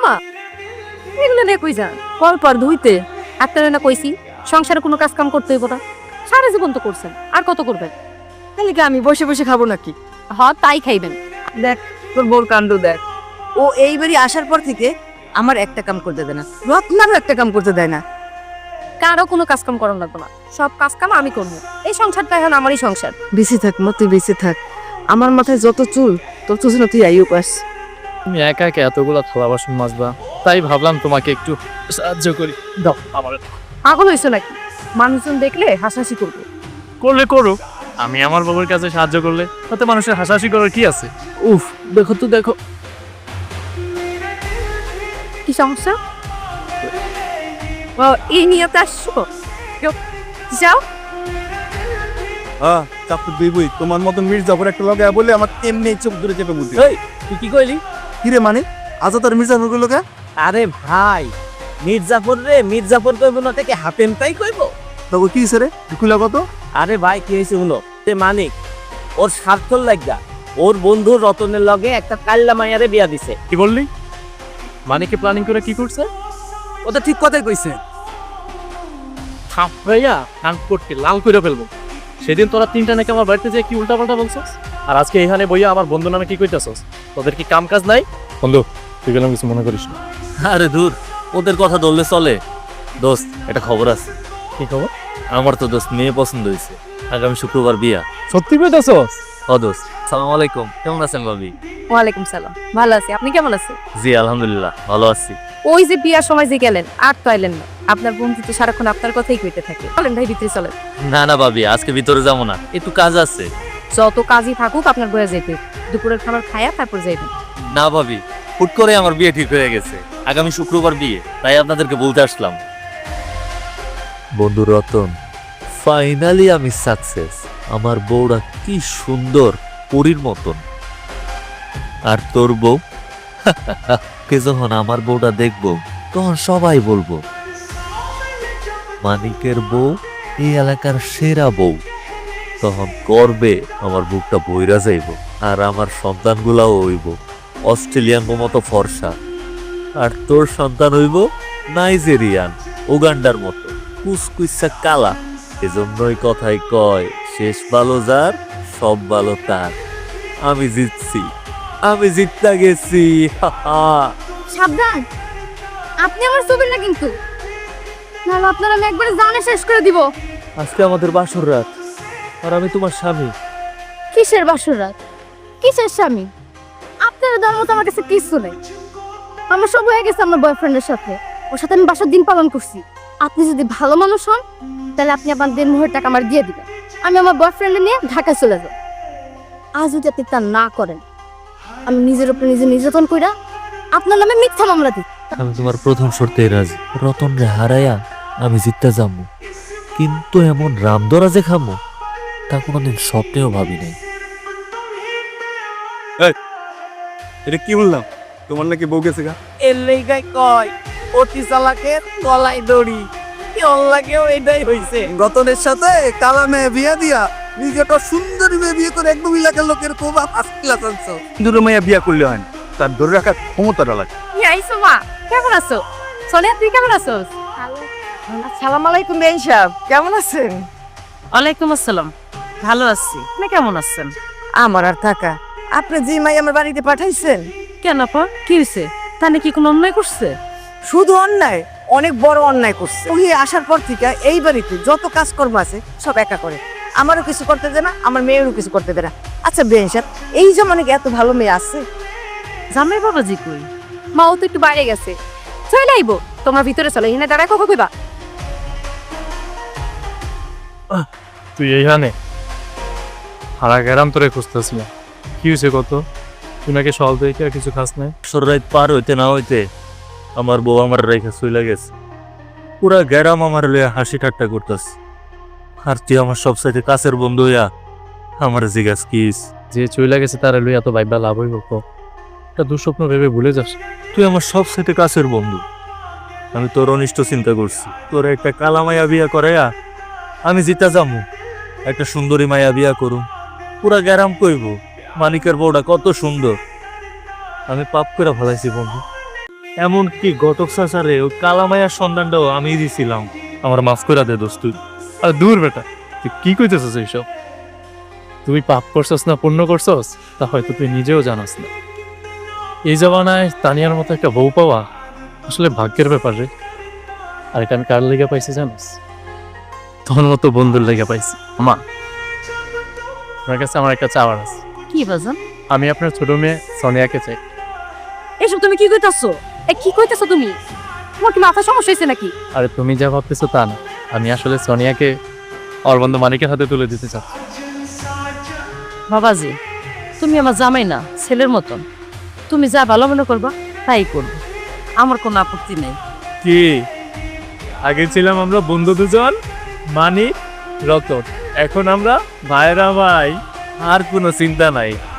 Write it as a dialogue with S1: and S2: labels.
S1: জামা এগুলো নিয়ে কই যান? কল পর ধুইতে আপনারা না কইছি সংসারে কোনো কাজ কাম করতে হইব না। সারা জীবন তো করছেন, আর কত করবেন?
S2: তাহলে কি আমি বসে বসে খাবো নাকি?
S1: তাই খাইবেন।
S2: দেখ তোর বোর কাণ্ড দেখ। ও এইবারই আসার পর থেকে আমার একটা কাম করতে দেয় না, রত্নারও একটা কাম করতে দেয় না।
S1: কারো কোনো কাজ কাম করার লাগবে না, সব কাজ কাম আমি করবো। এই সংসারটা এখন আমারই সংসার।
S2: বেঁচে থাক মা, তুই বেঁচে থাক। আমার মাথায় যত চুল তোর চুল তুই আইও পাস।
S3: তুমি একা একা এতগুলো থালা বাসন মাজবা, তাই ভাবলাম তোমাকে একটু সাহায্য করি। দাও আমার।
S1: পাগল হয়েছে নাকি? মানুষজন দেখলে হাসাহাসি করবে।
S3: করলে করো, আমি আমার বাবার কাছে সাহায্য করলে তাতে মানুষের হাসাহাসি করার কি আছে? উফ, দেখো তো দেখো।
S1: কি সমস্যা? এই নিয়ে তো আসছো? যাও।
S4: চাপু দিবই তোমার মতন মির্জাফর একটা লগে বলে আমার এমনি চোখ ধরে চেপে বুঝি।
S5: এই তুই কি কইলি?
S4: কিরে মানে আজ তার মির্জাফর কইলো কে?
S5: আরে ভাই, মির্জাফর রে মির্জাফর কইব না থেকে হাতেম তাই কইব।
S4: তবে কি রে খুলা কত?
S5: আরে ভাই কি হয়েছে শুনো, তে মানিক ওর স্বার্থর লাগা ওর বন্ধু রতনের লগে একটা কাল্লা মাইয়ারে বিয়া দিছে।
S3: কি বললি? মানিকে প্ল্যানিং করে কি করছে?
S2: ও তো ঠিক কথাই কইছে।
S3: থাম ভাইয়া, কান করতে লাল করে ফেলবো। সেদিন তোরা তিনটা নাকি আমার বাড়িতে যে কি উল্টাপাল্টা বলছস, আর আজকে এখানে বইয়া আমার বন্ধু নামে কি কইতাছস? তোদের কি কাম কাজ নাই? বন্ধু তুই গেলাম কিছু মনে করিস না।
S6: আরে দূর, ওদের কথা ধরলে চলে। দোস্ত একটা খবর আছে।
S3: কি খবর?
S6: আমার তো দোস্ত মেয়ে পছন্দ হয়েছে, আগামী শুক্রবার বিয়া।
S3: সত্যি কইতাছস?
S6: ও দোস্ত, সালাম আলাইকুম, কেমন আছেন ভাবি?
S1: ওয়ালাইকুম সালাম, ভালো আছি। আপনি কেমন আছেন?
S6: জি আলহামদুলিল্লাহ ভালো আছি।
S1: ওই যে বিয়ার সময় যে গেলেন আর তো আইলেন না। আপনার বন্ধু তো সারাক্ষণ আপনার কথাই কইতে থাকে। চলেন ভাই ভিতরে চলেন।
S6: না না ভাবি, আজকে ভিতরে যাবো না, একটু কাজ আছে।
S1: যত কাজই থাকুক আপনার বয়ে যেতে, দুপুরের খাবার খায়া তারপর যাইবেন।
S6: না ভাবি, হুট করে আমার বিয়ে ঠিক হয়ে গেছে, আগামী শুক্রবার বিয়ে, তাই আপনাদেরকে বলতে আসলাম। বন্ধু রতন, ফাইনালি আমি সাকসেস। আমার বউরা কি সুন্দর, পরীর মতন। আর তোর বউ কে যখন আমার বউটা দেখবো তখন সবাই বলবো মানিকের বউ এই এলাকার সেরা বউ। তখন করবে আমার বুকটা বইরা যাইব, আর আমার সন্তানগুলাও হইব অস্ট্রেলিয়ান মতো ফর্সা, আর তোর সন্তান হইব নাইজেরিয়ান উগান্ডার মতো কুসকুইসা কালা। এজন্যই কথাই কয়, শেষ ভালো যার সব ভালো তার। আমি জিতছি, আমি জিততে গেছি।
S1: সাবধান, আপনি আমার ছবি না কিন্তু, নাহলে আপনার আমি একবারে জানে শেষ করে দিব।
S6: আজকে আমাদের বাসর রাত, আর আমি তোমার স্বামী।
S1: কিসের বাসর রাত? কিসের স্বামী? আপনার দেওয়ার মতো আমার কাছে কিছু নেই। আমার সব হয়ে গেছে আমার বয়ফ্রেন্ডের সাথে, ওর সাথে আমি বাসার দিন পালন করছি। আপনি যদি ভালো মানুষ হন তাহলে আপনি আপনার 1.5 টাকা আমার দিয়ে দিবেন, আমি আমার বয়ফ্রেন্ডে নিয়ে ঢাকায় চলে যাব। আজ যদি আপনি তা না করেন, আমি নিজের উপরে নিজে নির্যাতন কইরা আপনার নামে মিথ্যা মামলা দিই।
S6: আমি তোমার প্রথম শর্তে রাজি, রতন রে হারাইয়া আমি জিততে যাবো, কিন্তু এমন রামদরা যে খামো তা কোনোদিন স্বপ্নেও ভাবি নাই।
S4: এটা কি বললাম? তোমার নাকি বউ গেছে গা?
S5: এর লেগাই কয় অতি চালাকের গলায় দড়ি। কি অল্লাগেও এটাই হইছে।
S4: রতনের সাথে কালা মেয়ে বিয়া দিয়া নিজেটা সুন্দরী মেয়ে বিয়ে করে একদম এলাকার লোকের কোবা ফার্স্ট ক্লাস আনছো। সুন্দর মেয়ে বিয়া করলে হয় না, তার ধরে রাখার ক্ষমতাটা লাগে।
S1: আইসো মা, কেমন আছো? সোনিয়া তুই কেমন আছোস?
S2: আসসালামু আলাইকুম বেন সাহেব, কেমন আছেন?
S7: ওয়ালাইকুম আসসালাম, ভালো আছি। আপনি কেমন আছেন?
S2: আমার আর থাকা, আপনি যে মাই আমার বাড়িতে পাঠাইছেন।
S7: কেন আপা, কি হয়েছে? তাহলে কি কোনো অন্যায় করছে?
S2: শুধু অন্যায়, অনেক বড় অন্যায় করছে। ওই আসার পর থেকে এই বাড়িতে যত কাজকর্ম আছে সব একা করে, আমারও কিছু করতে দেয় না, আমার মেয়েরও কিছু করতে দেয় না। আচ্ছা বেন সাহেব, এই জমানে কি এত ভালো মেয়ে আছে?
S7: জামাই বাবাজি কই?
S1: মা ও তো একটু বাইরে গেছে, চলে আইবো। তোমরা ভিতরে চলো, এখানে দাঁড়ায় কখন কইবা?
S3: তুই এইখানে? হারা গেরাম তোরে খুঁজতেছি। কি হয়েছে কত? তুই নাকি সল দেখে আর কিছু খাস নাই?
S6: বাসর রাত পার হইতে না হইতে আমার বউ আমার রেখে চলে গেছে। পুরা গ্যারাম আমার লইয়া হাসি ঠাট্টা করতেছে, আর তুই আমার সবসাইতে কাছের বন্ধু হইয়া আমার জিজ্ঞাস কিস।
S3: যে চইলা গেছে তারা লই এত ভাইবা লাভ হইব? একটা দুঃস্বপ্ন ভেবে ভুলে যাস।
S6: তুই আমার সবসাইতে কাছের বন্ধু, আমি তোর অনিষ্ট চিন্তা করছি। তোর একটা কালা মায়া বিয়া করাইয়া আমি জিতা যাবো, একটা সুন্দরী মায়া বিয়া করুম, পুরা গ্যারাম কইব মানিকের বউটা কত সুন্দর। আমি পাপ করে ফেলাইছি বন্ধু।
S3: এমনকি ঘটক চাচারে ওই কালামায়ার সন্ধানটাও আমি দিছিলাম। আমার মাফ করে দে দোস্ত। আর দূর বেটা, তুই কি কইতেছিস এইসব? তুই পাপ করছস না পুণ্য করছস তা হয়তো তুই নিজেও জানাস না। এই জমানায় তানিয়ার মতো একটা বউ পাওয়া আসলে ভাগ্যের ব্যাপার রে। আর এটা আমি কার লেগে পাইছি জানিস? তোর মতো বন্ধুর লেগে পাইছি। মা, আপনার কাছে আমার একটা চাওয়ার আছে।
S7: কি বাজান?
S3: আমি আপনার ছোট মেয়ে সোনিয়াকে চাই।
S7: এসব তুমি কি কইতাছো? কি কইতাছো তুমি? তোমার কি মাথা সমস্যা হয়েছে নাকি?
S3: আরে তুমি যা ভাবতেছো তা না, আমি আসলে সোনিয়াকে ওর বন্ধু মানিকের হাতে তুলে দিতে চাই।
S7: বাবাজি, তুমি আমার জামাই না, ছেলের মতন। তুমি যা ভালো মনে করবা তাই করবে, আমার কোনো আপত্তি নেই।
S3: কি আগে ছিলাম আমরা বন্ধু দুজন, মানিক রতন, এখন আমরা ভাইরা ভাই, আর কোনো চিন্তা নাই।